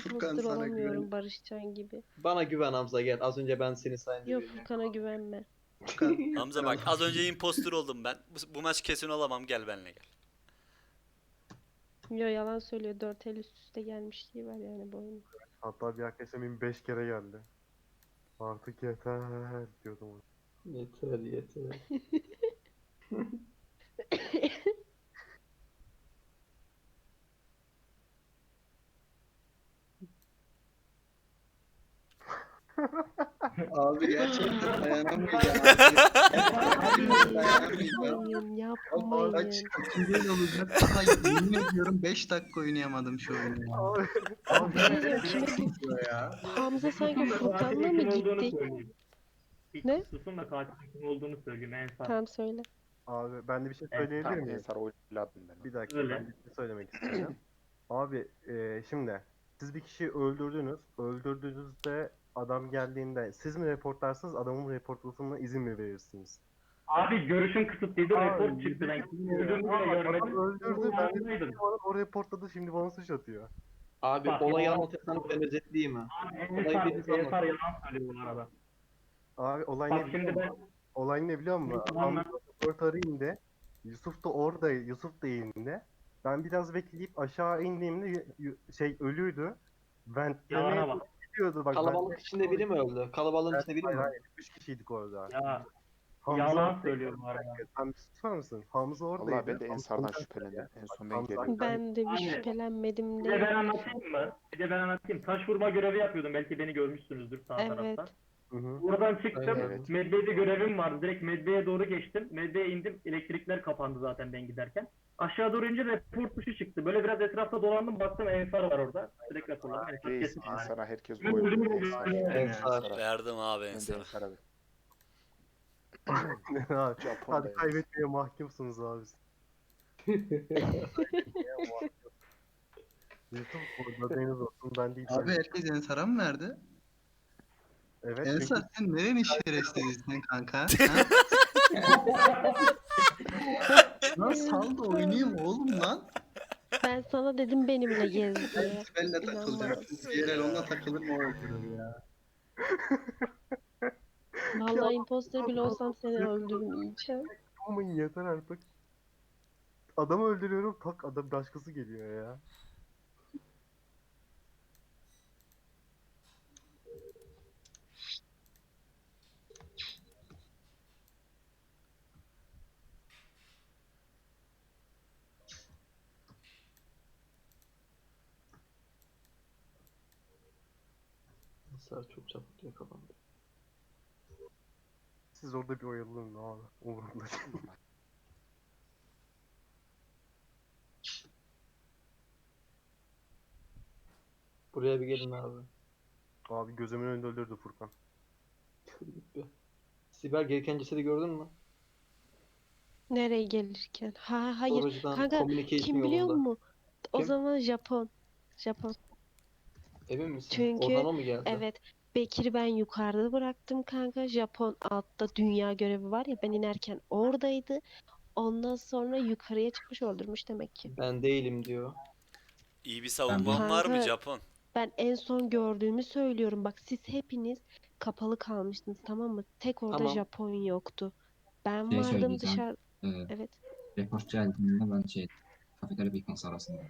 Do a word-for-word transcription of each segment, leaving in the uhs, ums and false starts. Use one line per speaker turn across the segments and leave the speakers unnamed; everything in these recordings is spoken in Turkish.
Furkan
imposter
sana
olamıyorum
güven.
Barışcan gibi.
Bana güven Hamza, gel. Az önce ben seni sayınca
Yok,
bilmiyorum.
Furkan'a güvenme.
Furkan.
Hamza bak az önce impostor oldum ben. Bu, bu maç kesin olamam, gel benimle gel.
Yo, yalan söylüyor. Dört el üst üste gelmişliği var yani bu oyunun.
Hatta bir arkadaşım beş kere geldi. Artık yeter diyordum ona.
Yeter yeter.
Abi gerçekten dayanamayacağım artık. Gerçekten dayanamayacağım.
Yapmayın,
Ama kaç
yapmayın.
kaçıncı el olacak? Daha yemin ediyorum beş dakika oynayamadım şu oyunu ya.
Abi,
Abi
Ne diyor, kime
diyor ya.
Hamza sanki Furkan'la mı gitti?
İlk
Ne?
susun da katilin kim olduğunu söyleyeyim Ensar.
Tamam, söyle.
abi ben de bir şey
Evet,
söyleyebilir
Tamam
miyim?
Ensar oyladım ben.
Bir dakika
Öyle.
ben bir şey söylemek istiyorum. Abi e, şimdi siz bir kişiyi öldürdünüz. Öldürdüğünüzde adam geldiğinde siz mi reportlarsınız, adamın reportlamasına izin mi verirsiniz?
Abi görüşüm kısıtlıydı,
Abi,
report çıktı. Ben kimin öldüğünü bile
Ama
görmedim.
adam öldürdü, ben de
Yanındaydım.
o reportladı, şimdi bana suç atıyor.
Abi
Bak,
olayı
yalan-
anlatırsan ben özetleyeyim mi?
Abi
Olayı
Ensar,
biriniz anlatın.
Ensar yalan söylüyor bu arada.
Abi olay
Bak
ne biliyor
şimdi ben
musun? Olay ne biliyor musun?
Tamam,
Hamza reportarı indi. Yusuf da orada, Yusuf da indi. Ben biraz bekleyip aşağı indiğimde y- y- şey ölüydü. Ventlemeye
Yalana bak.
gidiyordu bak.
Kalabalık içinde biri mi öldü? Kalabalığın içinde biri mi
Hayır
öldü?
hayır. Üç kişiydik orada.
Ya
Hamza
yalan
orada-
söylüyor bu arada.
Sen bir susar mısın? Hamza oradaydı.
Vallahi ben de
Hamza-
Ensar'dan
Hamza-
şüphelendim. En son ben
Hamza-
geldim.
Ben de bir
Aynen.
şüphelenmedim
Bir de ben
de.
anlatayım mı? Bir de ben anlatayım. Taş vurma görevi yapıyordum. Belki beni görmüşsünüzdür sağ
Evet.
tarafta.
Hı hı.
Oradan çıktım.
Evet.
Medbay'de görevim vardı. Direkt Medbay'e doğru geçtim. Medbay'e indim. Elektrikler kapandı zaten ben giderken. Aşağı doğru ince report tuşu çıktı. Böyle biraz etrafta dolandım. Baktım Ensar var orada. Direkt raporladım. Ensar
Reis
kesin yani.
Ensar'a herkes
Ben
oy
öldüm,
veriyor.
öldüm,
Ensar.
öldüm.
Ensar.
Verdim abi
Ben de
Ensar'a.
Ensar'a verdim.
Abi,
Japon'da
Hadi kaybetmeye mahkumsunuz abi. Yusuf burada deniz olsun, ben değil.
Abi herkes Ensar'a mı verdi?
Evet
Ensar
çünkü
sen nerenin şerefsizsin kanka? Ha? Lan sal da oynayayım oğlum lan.
Ben sana dedim benimle gez diye.
Sibel'le takılacak. Diğer el onunla takılır mı o öldürür ya.
Vallahi imposter bile olsam seni öldürmeyeceğim.
aman yeter artık. Adamı öldürüyorum, tak adam başkası geliyor ya.
Ensar çok çabuk yakalandı.
Siz orada bir oyalanın abi. Umurumda değil.
Buraya bir gelin abi.
Abi gözümün önünde öldürdü Furkan.
Sibel, gereken cesedi gördün mü?
Nereye gelirken? Ha hayır.
Storage'dan
Kanka
communication
kim biliyor
yolunda.
musun? O
Kim?
zaman Japon. Japon.
Emin misin?
Çünkü-
Oradan o mu geldi?
Evet. Bekir'i ben yukarıda bıraktım kanka. Japon altta dünya görevi var ya, ben inerken oradaydı. Ondan sonra yukarıya çıkmış, öldürmüş demek ki.
Ben değilim diyor.
İyi bir savunman var mı
Kanka-
Japon?
Ben en son gördüğümü söylüyorum. Bak siz hepiniz kapalı kalmıştınız, tamam mı? Tek orada
Tamam.
Japon yoktu. Ben
Şey
vardım
söyleyeceğim.
dışarı.
Ee,
Evet.
report geldiğinde ben şey kafeterya beacons arasında.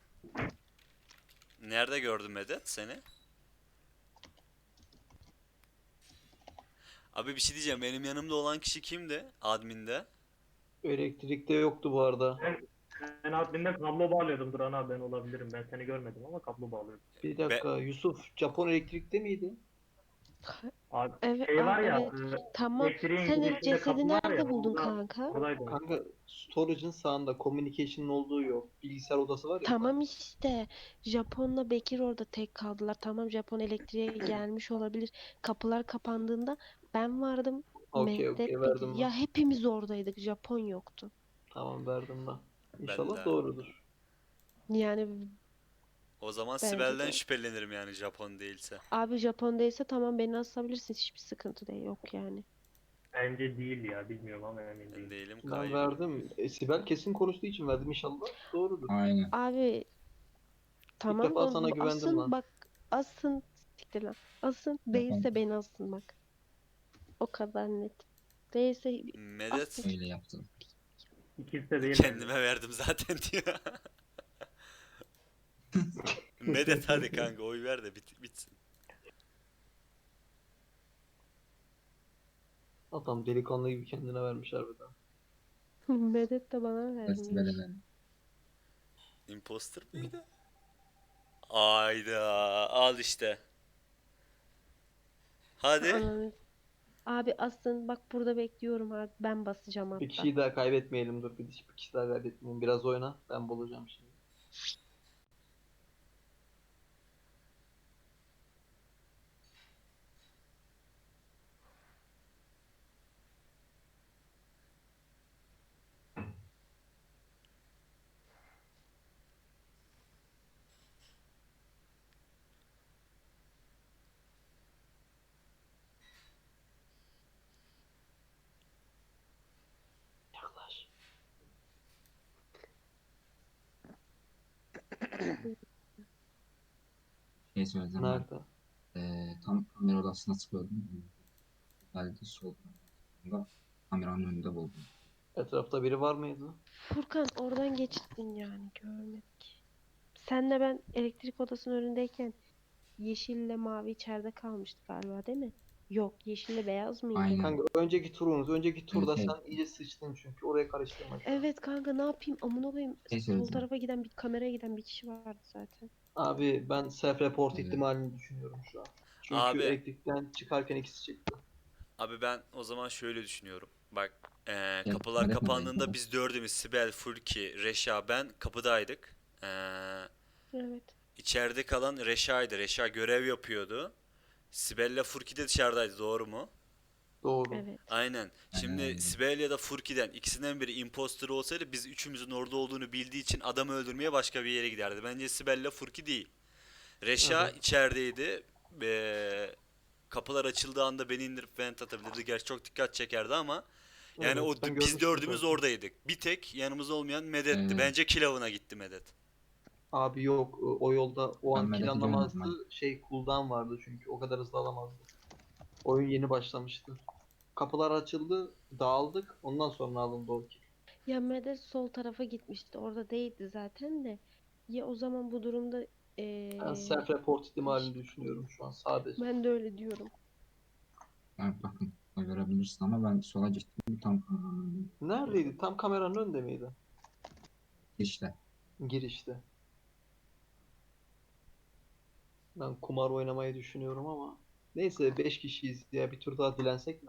Nerede gördün Medet seni? Abi bir şey diyeceğim. Benim yanımda olan kişi kimdi? Admin'de.
Elektrikte yoktu bu arada.
Ben adminde kablo bağlıyordum. Duran abi ben olabilirim. Ben seni görmedim ama kablo bağlıyordum.
Bir dakika, Yusuf, Japon elektrikte miydi?
Abi
Evet.
şey var
aa,
ya.
evet.
e,
Tamam.
elektriğin
Sen
girişinde
ilk cesedi
kapı var
nerede
ya,
buldun
orada-
kanka?
Oradaydı.
Kanka, storage'ın sağında communication'ın olduğu yok. Bilgisayar odası var ya.
Tamam işte. Japon'la Bekir orada tek kaldılar. Tamam, Japon elektriğe gelmiş olabilir. Kapılar kapandığında ben vardım.
Okey
Mehmet,
okey,
Bekir.
verdim
Ya
ben.
hepimiz oradaydık. Japon yoktu.
Tamam, verdim ben. İnşallah
de.
doğrudur.
Yani
O zaman
Bence
Sibel'den
de.
şüphelenirim yani Japon değilse.
abi Japon değilse tamam, beni asabilirsin. Hiçbir sıkıntı değil, yok yani.
Bence değil ya. Bilmiyorum ama emin
Ben
değilim.
değilim
Ben
kaybım.
verdim. E, Sibel kesin konuştuğu için verdim, inşallah doğrudur.
Aynen.
Abi Tamam
defa
da
sana
bu
güvendim
asın
lan.
bak asın siktir lan. Asın değilse beni asın bak. O kadar net. Değilse
Medet
asın.
Öyle yaptım.
İkisi de değil bence.
kendime verdim zaten diyor. Medet hadi kanka oy ver de bit bitsin.
Adam delikanlı gibi kendine vermiş harbiden.
Medet de bana vermiş.
Sibel'e
Imposter mıydı? Ayda al işte. Hadi.
Ananı- Abi asın bak burada bekliyorum abi. Ben basacağım
Bir
hatta.
kişiyi daha kaybetmeyelim dur. Bir, bir kişi daha kaybetmeyelim. Biraz oyna. Ben bulacağım şimdi. Yaklaş.
şey söyleyeceğim ben.
Nerede?
Ee, tam kamera odasına çıkıyordum. Geldi sol tarafında kameranın önünde buldum.
Etrafta biri var mıydı?
Furkan oradan geçtin yani görmedik. Senle ben elektrik odasının önündeyken yeşille mavi içeride kalmıştı galiba değil mi? Yok yeşille beyaz mıydı?
Aynen.
Kanka önceki turumuz. Önceki turda
Evet,
sen iyice sıçtın çünkü. Oraya karıştırma.
Evet kanka ne yapayım amına koyayım.
Şey
Sol
söyleyeceğim.
tarafa giden bir kameraya giden bir kişi vardı zaten.
Abi ben self report
Evet.
ihtimalini düşünüyorum şu an. Çünkü
Abi.
elektrikten çıkarken ikisi çıktı.
Abi ben o zaman şöyle düşünüyorum. Bak eee,
Gel,
kapılar
Medet mi
kapandığında
dayı?
biz dördümüz Sibel, Furki, Reşa ben kapıdaydık. Eee
Evet.
içeride kalan Reşa'ydı. Reşa görev yapıyordu. Sibel'le Furki de dışarıdaydı doğru mu?
Doğru.
Evet.
Aynen. Şimdi
Aynen.
Sibel ya da Furki'den ikisinden biri imposter olsaydı biz üçümüzün orada olduğunu bildiği için adamı öldürmeye başka bir yere giderdi. Bence Sibel'le Furki değil. Reşa
Evet.
içerideydi. Eee, kapılar açıldığı anda beni indirip vent atabilirdi. Gerçi çok dikkat çekerdi ama yani
Evet,
o
ben
biz
görmüştüm
dördümüz
zaten.
oradaydık. Bir tek yanımızda olmayan Medet'ti.
Evet.
Bence Kilav'ına gitti Medet.
Abi yok o yolda o
Ben
an
Medet'i
planlamazdı.
görmedim
Şey cooldown vardı çünkü o kadar hızlı alamazdı. Oyun yeni başlamıştı. Kapılar açıldı, dağıldık. Ondan sonra alındı o kill.
Ya Medet sol tarafa gitmişti. Orada değildi zaten de. Ya o zaman bu durumda
Ben
eee
self report ihtimalini
değişik-
düşünüyorum şu an sadece.
ben de öyle diyorum.
Evet, bakın oy verebilirsin ama ben sola gittim tam kameranın önünde.
Neredeydi? Tam kameranın önünde miydi?
İşte.
Girişte. Ben kumar oynamayı düşünüyorum ama. Neyse beş kişiyiz ya bir tur daha dilensek mi?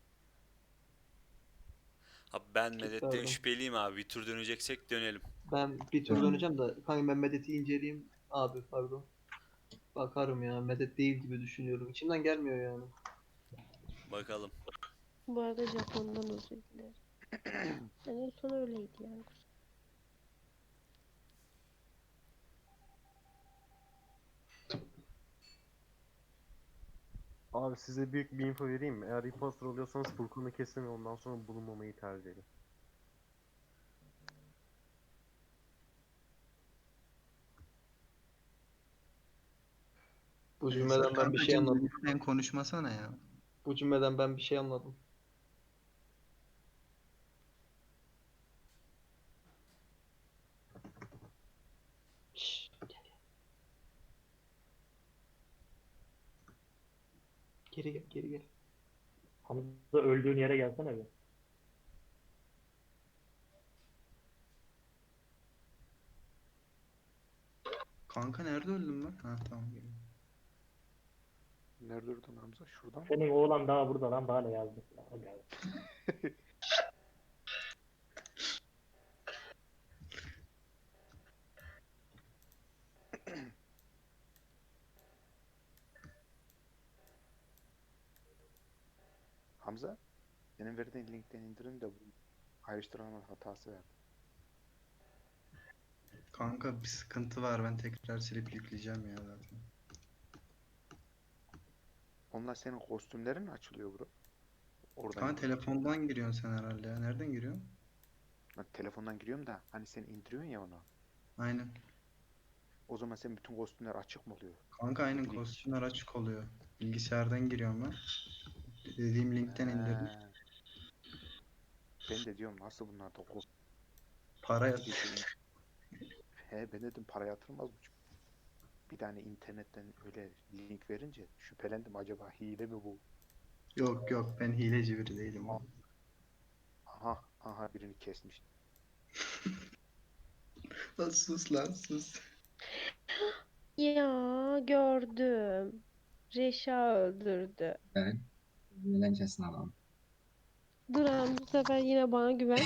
Abi ben Medet'ten
Çıkardım.
şüpheliyim abi. Bir tur döneceksek dönelim.
Ben bir tur
Tamam.
döneceğim de kanka ben Medet'i inceleyeyim. Abi pardon. Bakarım ya Medet değil gibi düşünüyorum. İçimden gelmiyor yani.
Bakalım.
Bu arada Japon'dan özür dilerim. Yani en son öyleydi yani.
Abi size büyük bir info vereyim mi? Eğer imposter oluyorsanız Furkan'ı kesin ve ondan sonra bulunmamayı tercih edin.
Bu cümleden ben bir şey
Kankacığım,
anladım.
lütfen konuşmasana ya.
Bu cümleden ben bir şey anladım. Şşş, gel gel. Geri gel, geri gel.
Hamza öldüğün yere gelsene bir.
Kanka nerede öldüm ben? Ha tamam geliyorum.
Nerede durdun Hamza? Şuradan mı?
Senin oğlan daha burada lan daha ne yazdı? Daha geldi.
Hamza, senin verdiğin linkten indirin de bu ayrıştırma hatası verdi.
Kanka bir sıkıntı var, ben tekrar silip yükleyeceğim ya zaten.
Onlar senin kostümlerin mi açılıyor bro? Oradan
Kanka
indiriyorsun.
telefondan giriyorsun sen herhalde ya. Nereden giriyorsun?
Ben telefondan giriyorum da hani sen indiriyorsun ya onu.
Aynen.
O zaman senin bütün kostümler açık mı oluyor?
Kanka aynen
Link.
kostümler açık oluyor. Bilgisayardan giriyorum ben. Dediğim linkten indirdim.
He. Ben de diyorum nasıl bunlar da kostüm.
Para yat.
He ben dedim para yatırmaz mı? Bir tane internetten öyle link verince şüphelendim, acaba hile mi bu?
Yok yok, ben hileci biri değilim oğlum.
Aha aha birini kesmiş.
Lan sus lan sus.
Ya gördüm. Reşa öldürdü.
Evet. Eğlencesini alalım.
Duran bu sefer yine bana güven.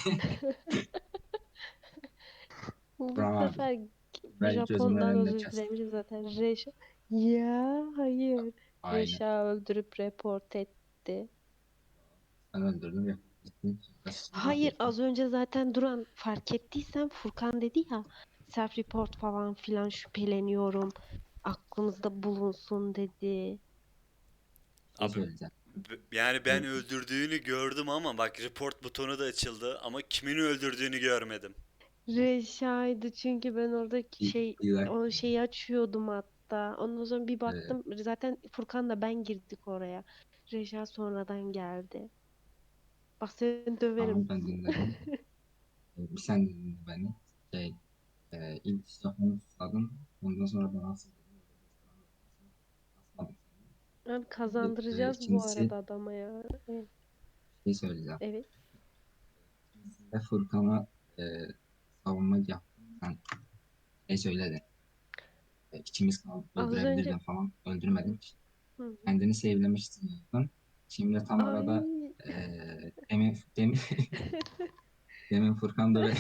Bu
Duran abi,
sefer
ben gözümün
Japon'dan
önünde
özür
kes.
dilemişim zaten. Reşa. Ya hayır.
Aynen.
Reşa öldürüp report etti.
Ben öldürdüm ya. Gittin.
Hayır az önce zaten Duran fark ettiysen Furkan dedi ya self report falan filan şüpheleniyorum. Aklımızda bulunsun dedi.
Şey
Abi,
söyleyeceğim.
b- yani ben öldürdüğünü gördüm ama bak report butonu da açıldı ama kimin öldürdüğünü görmedim.
Reşa'ydı çünkü ben orada
Bir-
şey
bir dakika.
o şeyi açıyordum hatta. Ondan sonra bir baktım zaten Furkan'la ben girdik oraya. Reşa sonradan geldi. Bak seni döverim.
Tamam, ben dinledim. Ee, bir sen dinle beni. Şey, e, ilk Japon'u susadın. Ondan sonra ben asıldım. Asmadım seni.
Abi kazandıracağız bu
ikincisi-
arada adama ya. Evet.
Şey söyleyeceğim.
Evet.
Ve Furkan'a e, savunma yaptın. Sen şey söyledin. E, ikimiz kaldık,
Az
öldürebilirdin
önce-
falan. Öldürmedin.
Hı.
Kendini sevlemiştin zaten. Şimdi tam arada
Ay.
e, demin, demin, demin Furkan da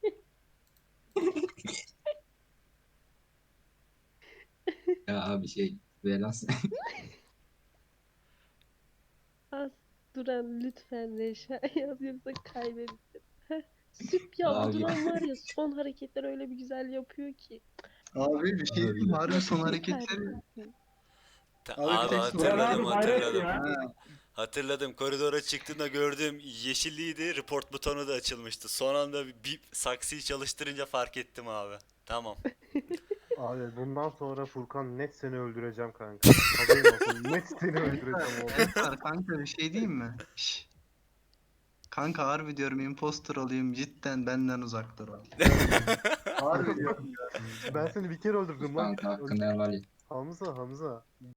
ya abi şey Velas
Az Duran lütfen Reşa yaz yoksa kaybedeceğiz. Heh, Süp ya bu
Abi.
Duran var ya son hareketler öyle bir güzel yapıyor ki.
Abi bir şey diyeyim mi? Harbi son hareketleri.
Süpersin.
Ta-
Abi
abi
tek
hatırladım
Duran abi hayret
hatırladım.
ya.
Hatırladım. Koridora çıktığında gördüm yeşilliydi. Report butonu da açılmıştı. Son anda bir, bir saksıyı çalıştırınca fark ettim abi. Tamam.
Abi bundan sonra Furkan net seni öldüreceğim kanka. Haberin olsun, net seni öldüreceğim oğlum.
Ensar kanka bir şey diyeyim mi? Şş. Kanka harbi diyorum imposter olayım cidden benden uzak dur. Harbi diyorum ya.
Ben seni bir kere öldürdüm lan.
kanka hakkında helal et.
Hamza Hamza.